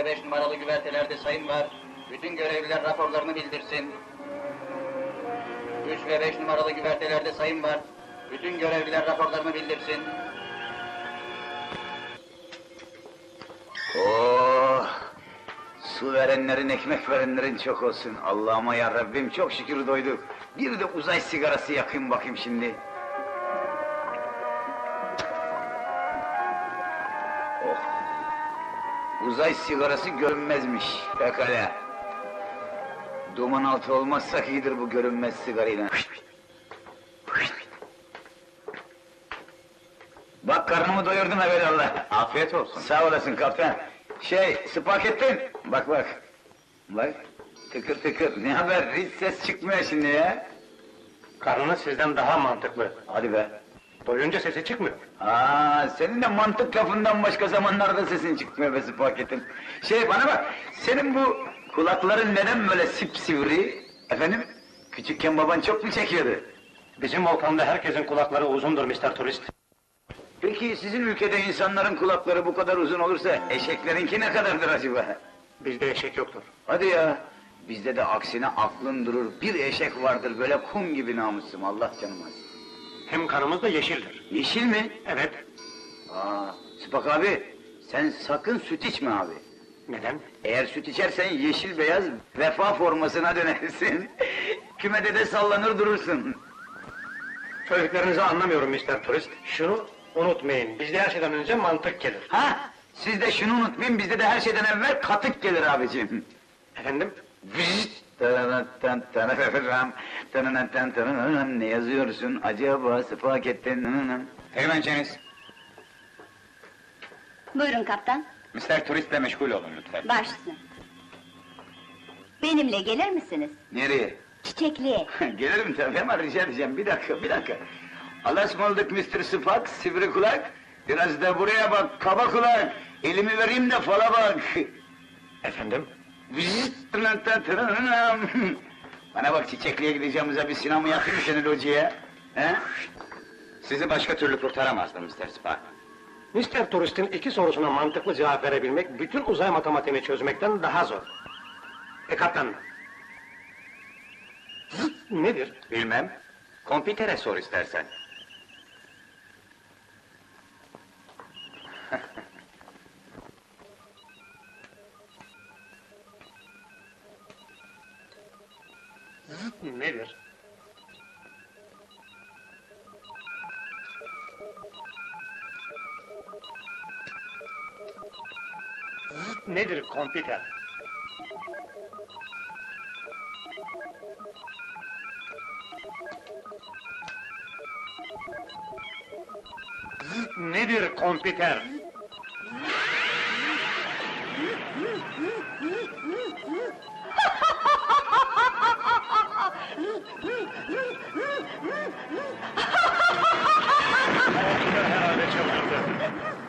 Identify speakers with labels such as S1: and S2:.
S1: ve 5 numaralı güvertelerde sayım var. Bütün görevliler raporlarını bildirsin. 3 ve 5 numaralı güvertelerde sayım var. Bütün görevliler raporlarını bildirsin.
S2: Oh! Su verenlerin, ekmek verenlerin çok olsun. Allah'ıma ya Rabbim, çok şükür doyduk. Bir de uzay sigarası yakayım bakayım şimdi. Oh! Uzay sigarası görünmezmiş, pekala. Duman altı olmazsak iyidir bu görünmez sigarayla. Bak karnımı doyurdum evelallah.
S3: Afiyet olsun.
S2: Sağ olasın kaptan. Spagettin. Bak bak. Bak. Tıkır tıkır. Ne haber? Hiç ses çıkmıyor şimdi ya.
S3: Karnınız sizden daha mantıklı.
S2: Hadi be.
S3: Doyunca sesi çıkmıyor.
S2: Senin de mantık lafından başka zamanlarda sesin çıkmıyor be Spagettin. Bana bak. Senin bu kulakların neden böyle sipsivri? Efendim? Küçükken baban çok mu çekiyordu?
S3: Bizim volkanda herkesin kulakları uzundur Mr. Turist.
S2: Peki sizin ülkede insanların kulakları bu kadar uzun olursa eşeklerinki ne kadardır acaba?
S3: Bizde eşek yoktur.
S2: Hadi ya! Bizde de aksine aklın durur, bir eşek vardır böyle kum gibi namussum, Allah canım alsın.
S3: Hem kanımız da yeşildir.
S2: Yeşil mi?
S3: Evet.
S2: Sıpak abi, sen sakın süt içme abi.
S3: Neden?
S2: Eğer süt içersen yeşil beyaz vefa formasına dönersin. Kümede de sallanır durursun.
S3: Söylediklerinizi anlamıyorum Mr. Turist. Şunu unutmayın, bizde her şeyden önce mantık gelir.
S2: Siz de şunu unutmayın, bizde de her şeyden evvel katık gelir abicim.
S3: Efendim?
S2: Ne yazıyorsun acaba Spagettin?
S4: Teğmenceniz,
S5: Buyurun kaptan,
S4: Mr. Turist'le meşgul olun lütfen.
S5: baş üstüne. Benimle gelir misiniz?
S2: Nereye?
S5: Çiçekliğe.
S2: Gelirim tabii ama rica edeceğim, bir dakika. Allah'a ısmarladık Mr. Spak, sivri kulak. Biraz da buraya bak, kaba kulak. Elimi vereyim de fala bak.
S3: Efendim?
S2: Bana bak, çiçekliğe gideceğimize bir sinema yapayım mı seni locaya? He?
S4: Sizi başka türlü kurtaramazdım Mr. Spark.
S3: Mr. Turist'in iki sorusuna mantıklı cevap verebilmek, bütün uzay matematiğini çözmekten daha zor. Kaptan! Zıt nedir?
S4: Bilmem, kompütere sor istersen.
S3: Zıt nedir? Zıt nedir kompüter? Zıt nedir kompüter? Herhalde çıldırdı.